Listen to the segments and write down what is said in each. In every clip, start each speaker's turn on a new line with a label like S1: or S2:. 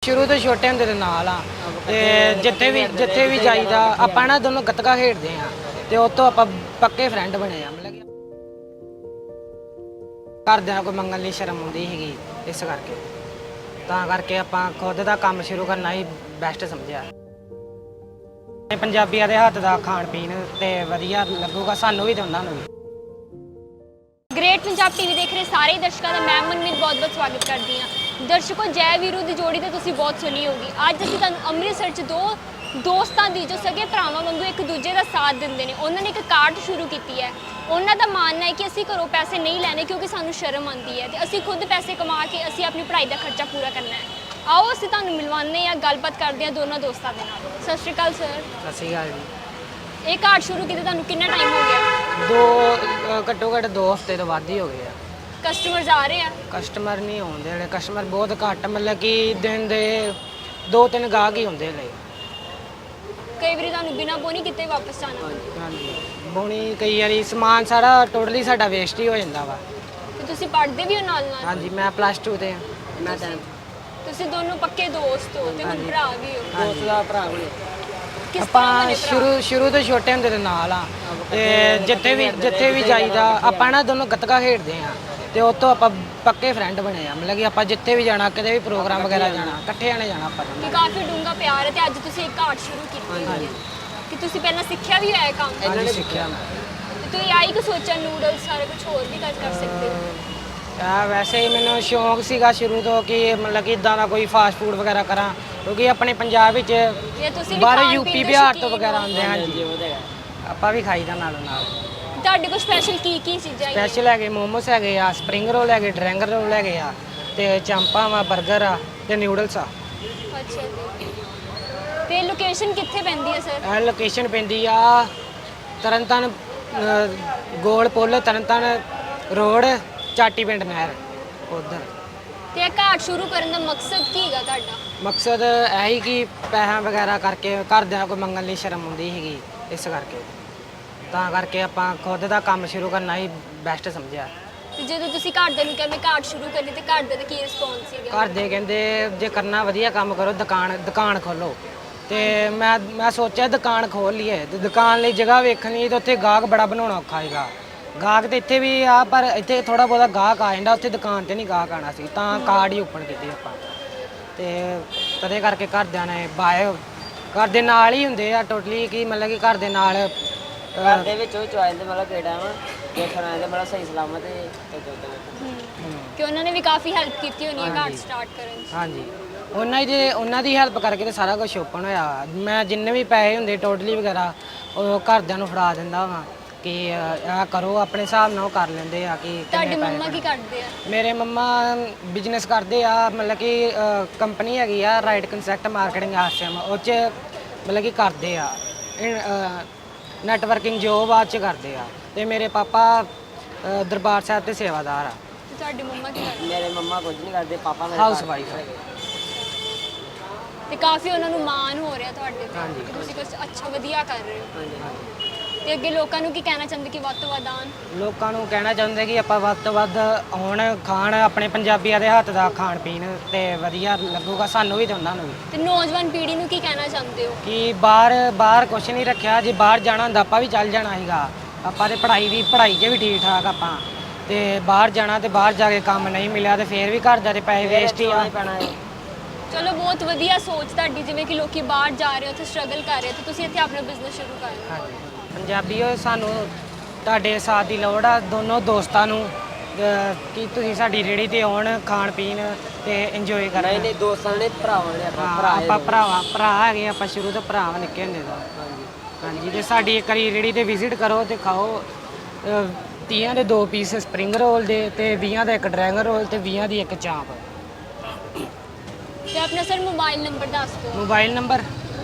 S1: ਸ਼ੁਰੂ ਤੋਂ ਛੋਟੇ ਹੁੰਦੇ ਦੇ ਨਾਲ ਆ ਤੇ ਜਿੱਥੇ ਵੀ ਜਾਈਦਾ ਆਪਾਂ ਨਾ ਦੋਨੋਂ ਗੱਤਕਾ ਖੇਡਦੇ ਆ ਤੇ ਉਹ ਤੋਂ ਆਪਾਂ ਪੱਕੇ ਫਰੈਂਡ ਬਣੇ ਆ। ਮਤਲਬ ਕਿ ਘਰਦਿਆਂ ਨੂੰ ਕੋਈ ਮੰਗਣ ਲਈ ਸ਼ਰਮ ਆਉਂਦੀ ਸੀਗੀ, ਇਸ ਕਰਕੇ ਤਾਂ ਕਰਕੇ ਆਪਾਂ ਖੁਦ ਦਾ ਕੰਮ ਸ਼ੁਰੂ ਕਰਨਾ ਹੀ ਬੈਸਟ ਸਮਝਿਆ। ਪੰਜਾਬੀਆਂ ਦੇ ਹੱਥ ਦਾ ਖਾਣ ਪੀਣ ਤੇ ਵਧੀਆ ਲੱਗੂਗਾ ਸਾਨੂੰ ਵੀ ਤੇ ਉਹਨਾਂ ਨੂੰ ਵੀ।
S2: ਗ੍ਰੇਟ ਪੰਜਾਬ ਟੀਵੀ ਦੇਖ ਰਹੇ ਸਾਰੇ ਦਰਸ਼ਕਾਂ ਦਾ ਮੈਂ ਮਨਮੀਤ ਬਹੁਤ-ਬਹੁਤ ਸਵਾਗਤ ਕਰਦੀ ਹਾਂ। ਦਰਸ਼ਕੋ, ਜੈ ਵੀਰੂ ਦੀ ਜੋੜੀ ਤਾਂ ਤੁਸੀਂ ਬਹੁਤ ਸੁਣੀ ਹੋਗੀ। ਅੱਜ ਅਸੀਂ ਤੁਹਾਨੂੰ ਅੰਮ੍ਰਿਤਸਰ 'ਚ ਦੋ ਦੋਸਤਾਂ ਦੀ ਜੋ ਸਗੇ ਭਰਾਵਾਂ ਵਾਂਗੂ ਇੱਕ ਦੂਜੇ ਦਾ ਸਾਥ ਦਿੰਦੇ ਨੇ, ਉਹਨਾਂ ਨੇ ਇੱਕ ਕਾਰਟ ਸ਼ੁਰੂ ਕੀਤੀ ਹੈ। ਉਹਨਾਂ ਦਾ ਮਾਨਣਾ ਹੈ ਕਿ ਅਸੀਂ ਘਰੋਂ ਪੈਸੇ ਨਹੀਂ ਲੈਣੇ ਕਿਉਂਕਿ ਸਾਨੂੰ ਸ਼ਰਮ ਆਉਂਦੀ ਹੈ ਤੇ ਅਸੀਂ ਖੁਦ ਪੈਸੇ ਕਮਾ ਕੇ ਅਸੀਂ ਆਪਣੀ ਪੜ੍ਹਾਈ ਦਾ ਖਰਚਾ ਪੂਰਾ ਕਰਨਾ ਹੈ। ਆਓ ਅਸੀਂ ਤੁਹਾਨੂੰ ਮਿਲਵਾਉਂਦੇ ਹਾਂ, ਗੱਲਬਾਤ ਕਰਦੇ ਹਾਂ ਦੋਨਾਂ ਦੋਸਤਾਂ ਦੇ ਨਾਲ। ਸਤਿ ਸ਼੍ਰੀ ਅਕਾਲ ਸਰ।
S1: ਸਤਿ ਸ਼੍ਰੀ ਅਕਾਲ ਜੀ।
S2: ਇਹ ਕਾਰਟ ਸ਼ੁਰੂ ਕੀਤੇ ਤੁਹਾਨੂੰ ਕਿੰਨਾ ਟਾਈਮ ਹੋ ਗਿਆ?
S1: ਘੱਟੋ ਘੱਟ 2 ਹਫ਼ਤੇ ਤੋਂ ਵੱਧ ਹੀ ਹੋ ਗਏ ਆ।
S2: ਕਸਟਮਰਸ ਆ ਰਹੇ ਆ?
S1: ਕਸਟਮਰ ਨਹੀਂ ਆਉਂਦੇ ਹਲੇ, ਕਸਟਮਰ ਬਹੁਤ ਘੱਟ, ਮਤਲਬ ਕਿ ਦਿਨ ਦੇ 2-3 ਗਾਹਕ ਹੀ ਹੁੰਦੇ ਹਲੇ।
S2: ਕਈ ਵਾਰੀ ਤੁਹਾਨੂੰ ਬਿਨਾਂ ਬੋਨੀ ਕਿਤੇ ਵਾਪਸ ਜਾਣਾ ਪੈਂਦਾ?
S1: ਹਾਂਜੀ, ਬੋਣੀ ਕਈ ਵਾਰੀ ਸਮਾਨ ਸਾਰਾ ਟੋਟਲੀ ਸਾਡਾ ਵੇਸਟ ਹੀ ਹੋ ਜਾਂਦਾ ਵਾ।
S2: ਤੇ ਤੁਸੀਂ ਪੜ੍ਹਦੇ ਵੀ ਹੋ ਨਾਲ ਨਾਲ?
S1: ਹਾਂਜੀ, ਮੈਂ +2 ਤੇ ਹਾਂ। ਮੈਂ
S2: ਤੁਸੀਂ ਦੋਨੋਂ ਪੱਕੇ ਦੋਸਤ ਹੋ ਤੇ ਹੁਣ ਭਰਾ ਵੀ ਹੋ?
S1: ਦੋਸਤ ਦਾ ਭਰਾ ਵੀ।
S2: ਕਿਸ ਤਰ੍ਹਾਂ
S1: ਆਪਾਂ
S2: ਬਣੇ ਭਰਾ?
S1: ਸ਼ੁਰੂ ਤੋਂ ਛੋਟੇ ਹੁੰਦੇ ਦੇ ਨਾਲ ਆ ਤੇ ਜਿੱਥੇ ਵੀ ਜਾਈਦਾ ਆਪਾਂ ਨਾ ਦੋਨੋਂ ਗੱਤਕਾ ਖੇਡਦੇ ਆ ਤੇ ਉਹ ਤੋਂ ਆਪਾਂ ਪੱਕੇ ਫਰੈਂਡ ਬਣੇ ਆ। ਮਤਲਬ ਕਿ ਆਪਾਂ ਜਿੱਥੇ ਵੀ ਜਾਣਾ, ਕਿਤੇ ਵੀ ਪ੍ਰੋਗਰਾਮ ਵਗੈਰਾ ਜਾਣਾ, ਇਕੱਠੇ ਆਣੇ ਜਾਣਾ ਆਪਾਂ।
S2: ਕਿ ਕਾਫੀ ਡੂੰਘਾ ਪਿਆਰ ਹੈ ਤੇ ਅੱਜ ਤੁਸੀਂ ਇੱਕ ਕਾਰਟ ਸ਼ੁਰੂ ਕੀਤੀ ਹੋਈ ਹੈ ਕਿ ਤੁਸੀਂ ਪਹਿਲਾਂ ਸਿੱਖਿਆ ਵੀ ਹੋਇਆ ਇਹ ਕੰਮ?
S1: ਇਹਨਾਂ ਨੇ ਸਿੱਖਿਆ ਮੈਂ।
S2: ਤੇ ਤੁਸੀਂ ਆਈ ਕਿ ਸੋਚਿਆ ਨੂਡਲਸ ਸਾਰਾ ਕੁਝ ਹੋਰ ਵੀ ਕਰ ਸਕਦੇ ਹੋ?
S1: ਵੈਸੇ ਹੀ ਮੈਨੂੰ ਸ਼ੌਂਕ ਸੀਗਾ ਸ਼ੁਰੂ ਤੋਂ ਕਿ ਮਤਲਬ ਕਿ ਇਦਾਂ ਦਾ ਕੋਈ ਫਾਸਟ ਫੂਡ ਵਗੈਰਾ ਕਰਾਂ, ਕਿਉਂਕਿ ਆਪਣੇ ਪੰਜਾਬ ਵਿੱਚ
S2: ਜੇ ਤੁਸੀਂ ਵੀ
S1: ਬਾਹਰ
S2: ਖਾਣ
S1: ਯੂਪੀ
S2: ਪੀਣ ਦੇ
S1: ਬਿਹਾਰ ਤੋਂ
S2: ਸ਼ੌਕੀਨ
S1: ਵਗੈਰਾ
S2: ਹੋ?
S1: ਆਉਂਦੇ ਹਨ ਜੀ, ਆਪਾਂ ਵੀ ਖਾਈਦਾ ਨਾਲੋਂ ਨਾਲ।
S2: ਤੁਹਾਡੇ ਕੋਲ ਸਪੈਸ਼ਲ ਕੀ ਚੀਜ਼ਾਂ ਹੈਗੀਆਂ?
S1: ਸਪੈਸ਼ਲ ਹੈਗੇ ਮੋਮੋਸ ਹੈਗੇ ਆ, ਸਪਰਿੰਗ ਰੋਲ ਹੈਗੇ, ਡਰੈਂਗ ਰੋਲ ਹੈਗੇ ਆ ਤੇ ਚਾਂਪਾਂ ਵਾ, 버ਗਰ ਆ ਤੇ ਨਿਊਡਲਸ ਆ।
S2: ਅੱਛਾ ਜੀ। ਤੇ ਲੋਕੇਸ਼ਨ ਕਿੱਥੇ ਪੈਂਦੀ ਹੈ ਸਰ?
S1: ਇਹ ਲੋਕੇਸ਼ਨ ਪੈਂਦੀ ਆ ਤਰਨਤਾਰਨ ਗੋਲ ਪੁੱਲ, ਤਰਨਤਾਰਨ ਰੋਡ, ਚਾਟੀ ਪਿੰਡ ਨਹਿਰ ਉਧਰ।
S2: ਤੇ ਇਹ ਕਾਰਟ ਸ਼ੁਰੂ ਕਰਨ ਦਾ ਮਕਸਦ ਕੀ ਹੈਗਾ ਤੁਹਾਡਾ?
S1: ਮਕਸਦ ਇਹ ਹੀ ਕਿ ਪੈਸਾ ਵਗੈਰਾ ਕਰਕੇ ਘਰਦਿਆਂ ਕੋਈ ਮੰਗਣ ਲਈ ਸ਼ਰਮ ਆਉਂਦੀ ਸੀਗੀ, ਇਸ ਕਰਕੇ ਤਾਂ ਕਰਕੇ ਆਪਾਂ ਖੁਦ ਦਾ ਕੰਮ ਸ਼ੁਰੂ ਕਰਨਾ ਹੀ ਬੈਸਟ ਸਮਝਿਆ।
S2: ਤੇ ਜਦੋਂ ਤੁਸੀਂ ਘਰਦਿਆਂ ਨੂੰ ਕਿਹਾ ਮੈਂ ਕਾਰਟ ਸ਼ੁਰੂ ਕਰਨੀ ਤੇ ਘਰਦਿਆਂ ਦਾ ਕੀ ਰਿਸਪੌਂਸ ਸੀਗਾ?
S1: ਘਰਦੇ ਕਹਿੰਦੇ ਜੇ ਕਰਨਾ ਵਧੀਆ ਕੰਮ ਕਰੋ, ਦੁਕਾਨ ਖੋਲੋ। ਤੇ ਮੈਂ ਸੋਚਿਆ ਦੁਕਾਨ ਖੋਲ ਲਈਏ ਤੇ ਦੁਕਾਨ ਲਈ ਜਗ੍ਹਾ ਵੇਖਣੀ ਤੇ ਉੱਥੇ ਗਾਹਕ ਬੜਾ ਬਣਾਉਣਾ ਔਖਾ ਹੈਗਾ। ਗਾਹਕ ਤੇ ਇੱਥੇ ਵੀ ਆ ਪਰ ਇੱਥੇ ਥੋੜਾ ਬਹੁਤਾ ਗਾਹਕ ਆ ਜਾਂਦਾ, ਉੱਥੇ ਦੁਕਾਨ ਤੇ ਨਹੀਂ ਗਾਹਕ ਆਣਾ ਸੀ, ਤਾਂ ਕਾਰਡ ਹੀ ਓਪਨ ਕੀਤੀ ਆਪਾਂ। ਤੇ ਤਦੇ ਕਰਕੇ ਘਰਦਿਆਂ ਨੇ ਘਰ ਦੇ ਨਾਲ ਹੀ ਹੁੰਦੇ ਆ ਟੋਟਲੀ, ਕਿ ਮਤਲਬ ਕਿ ਘਰ ਦੇ ਨਾਲ
S3: ਘਰ ਦੇ ਵਿੱਚੋਂ ਚੁਆਇਸ ਦੇ ਮਤਲਬ ਕਿਹੜਾ ਵਾ ਦੇਖਣ ਆਏ ਤੇ ਬੜਾ ਸਹੀ ਸਲਾਮਤ ਹੈ
S2: ਕਿ ਉਹਨਾਂ ਨੇ ਵੀ ਕਾਫੀ ਹੈਲਪ ਕੀਤੀ ਹੋਣੀ ਹੈ ਕਾਰਟ ਸਟਾਰਟ ਕਰਨ 'ਚ?
S1: ਹਾਂਜੀ, ਉਹਨਾਂ ਦੀ ਹੈਲਪ ਕਰਕੇ ਤੇ ਸਾਰਾ ਕੁਝ ਓਪਨ ਹੋਇਆ। ਮੈਂ ਜਿੰਨੇ ਵੀ ਪੈਸੇ ਹੁੰਦੇ ਟੋਟਲੀ ਵਗੈਰਾ ਉਹ ਘਰਦਿਆਂ ਨੂੰ ਫੜਾ ਦਿੰਦਾ ਵਾਂ ਕਿ ਇਹ ਕਰੋ, ਆਪਣੇ ਹਿਸਾਬ ਨਾਲ ਉਹ ਕਰ ਲੈਂਦੇ ਆ ਕਿ
S2: ਤੁਹਾਡੇ ਮੰਮਾ ਕੀ ਕਰਦੇ ਆ?
S1: ਮੇਰੇ ਮੰਮਾ ਬਿਜ਼ਨਸ ਕਰਦੇ ਆ, ਮਤਲਬ ਕਿ ਕੰਪਨੀ ਹੈਗੀ ਆ ਰਾਈਟ ਕੰਸੈਪਟ ਮਾਰਕੀਟਿੰਗ ਆਸ਼ਰਮ, ਉਹ 'ਚ ਮਤਲਬ ਕਿ ਕਰਦੇ ਆ ਨੈਟਵਰਕਿੰਗ ਜੋਬ ਬਾਅਦ 'ਚ ਕਰਦੇ ਆ। ਤੇ ਮੇਰੇ ਪਾਪਾ ਦਰਬਾਰ ਸਾਹਿਬ ਤੇ ਸੇਵਾਦਾਰ ਆ।
S2: ਤੇ ਤੁਹਾਡੇ ਮੰਮਾ ਕੀ ਕਰਦੇ?
S3: ਮੇਰੇ ਮੰਮਾ ਕੁਝ ਨਹੀਂ ਕਰਦੇ, ਪਾਪਾ ਮੇਰੇ
S1: ਹਾਊਸ ਵਾਈਫ ਹੈ।
S2: ਤੇ ਕਾਫੀ ਉਹਨਾਂ ਨੂੰ ਮਾਣ ਹੋ ਰਿਹਾ ਤੁਹਾਡੇ ਤੇ
S1: ਹਾਂਜੀ।
S2: ਕਿ ਤੁਸੀਂ ਕੁਝ ਅੱਛਾ ਵਧੀਆ ਕਰ ਰਹੇ ਹੋ।
S3: ਹਾਂਜੀ।
S2: ਤੇ ਅੱਗੇ ਲੋਕਾਂ ਨੂੰ ਕੀ ਕਹਿਣਾ ਚਾਹੁੰਦੇ ਕਿ ਵੱਧ ਤੋਂ ਵੱਧ ਆਉਣ?
S1: ਲੋਕਾਂ ਨੂੰ ਕਹਿਣਾ ਚਾਹੁੰਦੇ ਕਿ ਆਪਾਂ ਵੱਧ ਤੋਂ ਵੱਧ ਆਉਣ, ਖਾਣ ਆਪਣੇ ਪੰਜਾਬੀਆਂ ਦੇ ਹੱਥ ਦਾ ਖਾਣ ਪੀਣ ਤੇ ਵਧੀਆ ਲੱਗੂਗਾ ਸਾਨੂੰ ਵੀ ਤੇ ਉਹਨਾਂ ਨੂੰ ਵੀ।
S2: ਤੇ ਨੌਜਵਾਨ ਪੀੜ੍ਹੀ ਨੂੰ ਕੀ ਕਹਿਣਾ ਚਾਹੁੰਦੇ ਹੋ?
S1: ਕਿ ਬਾਹਰ ਕੁਛ ਨਹੀਂ ਰੱਖਿਆ, ਜੇ ਬਾਹਰ ਜਾਣਾ ਹੁੰਦਾ ਆਪਾਂ ਵੀ ਚੱਲ ਜਾਣਾ ਸੀਗਾ। ਆਪਾਂ ਤੇ ਪੜ੍ਹਾਈ 'ਚ ਵੀ ਠੀਕ ਠਾਕ ਆਪਾਂ, ਤੇ ਬਾਹਰ ਜਾਣਾ ਤੇ ਬਾਹਰ ਜਾ ਕੇ ਕੰਮ ਨਹੀਂ ਮਿਲਿਆ ਤੇ ਫੇਰ ਵੀ ਘਰ ਦੇ ਪੈਸੇ ਵੇਸਟ ਹੀ ਆ ਪੈਣਾ ਹੈ।
S2: ਚਲੋ, ਬਹੁਤ ਵਧੀਆ ਸੋਚ ਤੁਹਾਡੀ, ਜਿਵੇਂ ਕਿ ਲੋਕੀ ਬਾਹਰ ਜਾ ਰਹੇ ਉੱਥੇ ਸਟਰਗਲ ਕਰ ਰਹੇ ਤੇ ਤੁਸੀਂ ਇੱਥੇ ਆਪਣਾ ਬਿਜ਼ਨਸ ਸ਼ੁਰੂ ਕਰ ਰਹੇ ਹੋ।
S1: ਹਾਂਜੀ, ਪੰਜਾਬੀਓ ਸਾਨੂੰ ਤੁਹਾਡੇ ਸਾਥ ਦੀ ਲੋੜ ਆ, ਦੋਨੋਂ ਦੋਸਤਾਂ ਨੂੰ, ਕਿ ਤੁਸੀਂ ਸਾਡੀ ਰੇਹੜੀ ਤੇ ਆਉਣ, ਖਾਣ ਪੀਣ ਤੇ ਇੰਜੋਏ ਕਰਨ।
S3: ਨਹੀਂ ਦੋਸਤਾਂ ਨੇ ਭਰਾਵਾਂ ਨੇ
S1: ਆਪਾਂ ਭਰਾ ਹੈਗੇ, ਆਪਾਂ ਸ਼ੁਰੂ ਤੋਂ ਭਰਾ ਨਿੱਕੇ ਹੁੰਦੇ ਤੋਂ। ਹਾਂਜੀ, ਤੇ ਸਾਡੀ ਇੱਕ ਵਾਰੀ ਰੇਹੜੀ ਤੇ ਵਿਜ਼ਿਟ ਕਰੋ ਤੇ ਖਾਓ। 30 ਦੇ 2 ਪੀਸ ਸਪਰਿੰਗ ਰੋਲ ਦੇ ਤੇ 20 ਦਾ ਇੱਕ ਡਰੈਂਗਨ ਰੋਲ ਤੇ 20 ਦੀ ਇੱਕ ਚਾਂਪ।
S2: ਤੇ ਆਪਣਾ ਸਰ ਮੋਬਾਈਲ ਨੰਬਰ ਦੱਸ ਦਿਓ।
S1: Mobile number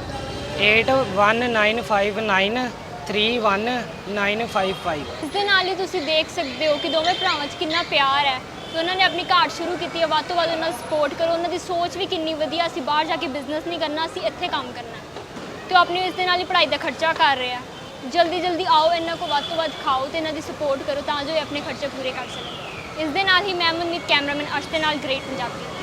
S1: 8195931955।
S2: ਇਸ ਦੇ ਨਾਲ ਹੀ ਤੁਸੀਂ ਦੇਖ ਸਕਦੇ ਹੋ ਕਿ ਦੋਵੇਂ ਭਰਾਵਾਂ 'ਚ ਕਿੰਨਾ ਪਿਆਰ ਹੈ ਤੇ ਉਹਨਾਂ ਨੇ ਆਪਣੀ ਕਾਰਟ ਸ਼ੁਰੂ ਕੀਤੀ ਹੈ। ਵੱਧ ਤੋਂ ਵੱਧ ਉਹਨਾਂ ਨੂੰ ਸਪੋਰਟ ਕਰੋ। ਉਹਨਾਂ ਦੀ ਸੋਚ ਵੀ ਕਿੰਨੀ ਵਧੀਆ, ਅਸੀਂ ਬਾਹਰ ਜਾ ਕੇ ਬਿਜ਼ਨਸ ਨਹੀਂ ਕਰਨਾ, ਅਸੀਂ ਇੱਥੇ ਕੰਮ ਕਰਨਾ ਤੇ ਉਹ ਆਪਣੀ ਇਸ ਦੇ ਨਾਲ ਹੀ ਪੜ੍ਹਾਈ ਦਾ ਖਰਚਾ ਕਰ ਰਿਹਾ। ਜਲਦੀ ਆਓ, ਇਹਨਾਂ ਕੋਲ ਵੱਧ ਤੋਂ ਵੱਧ ਖਾਓ ਤੇ ਇਹਨਾਂ ਦੀ ਸਪੋਰਟ ਕਰੋ ਤਾਂ ਜੋ ਇਹ ਆਪਣੇ ਖਰਚੇ ਪੂਰੇ ਕਰ ਸਕਣ। ਇਸ ਦੇ ਨਾਲ ਹੀ ਮੈਂ ਮਨਮੀਤ, ਕੈਮਰਾਮੈਨ ਅਰਸ਼ ਦੇ ਨਾਲ ਗ੍ਰੇਟ ਪੰਜਾਬੀ।